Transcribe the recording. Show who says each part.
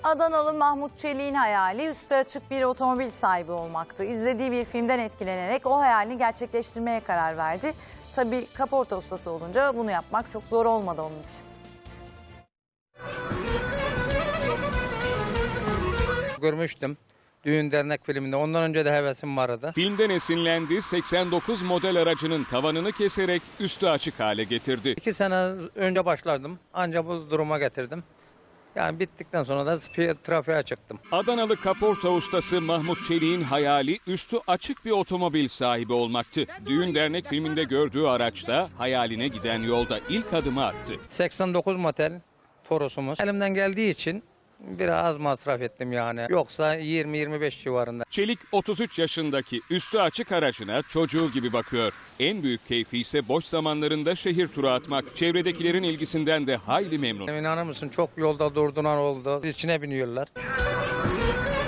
Speaker 1: Adanalı Mahmut Çelik'in hayali üstü açık bir otomobil sahibi olmaktı. İzlediği bir filmden etkilenerek o hayalini gerçekleştirmeye karar verdi. Tabii kaporta ustası olunca bunu yapmak çok zor olmadı onun için.
Speaker 2: Görmüştüm düğün dernek filminde. Ondan önce de hevesim vardı.
Speaker 3: Filmden esinlendi, 89 model aracının tavanını keserek üstü açık hale getirdi.
Speaker 2: 2 sene önce başlardım. Ancak bu duruma getirdim. Yani bittikten sonra da trafiğe çıktım.
Speaker 3: Adanalı kaporta ustası Mahmut Çelik'in hayali üstü açık bir otomobil sahibi olmaktı. Düğün dernek filminde gördüğü araçta hayaline giden yolda ilk adımı attı.
Speaker 2: 89 model Toros'umuz. Elimden geldiği için biraz az masraf ettim yani. Yoksa 20-25 civarında.
Speaker 3: Çelik 33 yaşındaki üstü açık aracına çocuğu gibi bakıyor. En büyük keyfi ise boş zamanlarında şehir turu atmak. Çevredekilerin ilgisinden de hayli memnun.
Speaker 2: İnanır mısın, çok yolda durduran oldu. İçine biniyorlar.